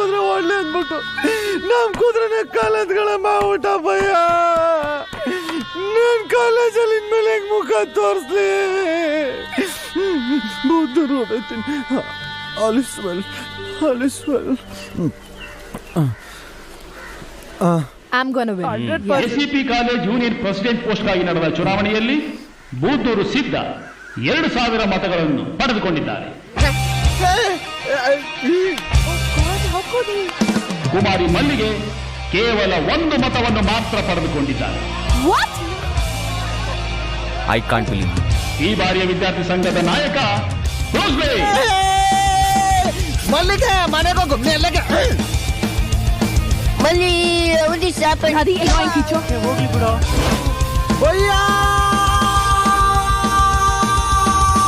ಕುದುರೆ ಓಡ್ಲಿ ಅಂದ್ಬಿಟ್ಟು ನಮ್ ಕುದುರೆನ ಕಾಲದ್ಗಳ ಮಾಡ್ಬಿಟ್ಟ ಭಯ. ನನ್ ಕಾಲೇಜಲ್ಲಿ ಇನ್ಮೇಲೆ ಹೆಂಗ್ ಮುಖ ತೋರಿಸ್ಲಿ? ಬುದ್ಧರು ಹೊಡೈತೀನಿ. All is well ACP college union president ಪೋಸ್ಟ್ಗಾಗಿ ನಡೆದ ಚುನಾವಣೆಯಲ್ಲಿ ಬೂದೂರು ಸಿದ್ಧ 2000 ಮತಗಳನ್ನು ಪಡೆದುಕೊಂಡಿದ್ದಾರೆ. ಕುಮಾರಿ ಮಲ್ಲಿಗೆ ಕೇವಲ 1 ಮತವನ್ನು ಮಾತ್ರ ಪಡೆದುಕೊಂಡಿದ್ದಾರೆ. I can't believe. ಈ ಬಾರಿಯ ವಿದ್ಯಾರ್ಥಿ ಸಂಘದ ನಾಯಕ ಮಲ್ಲಿಗೆ ಮನೆಗೆ Mali, only happened. Hadi, annoying teacher. Bhaiya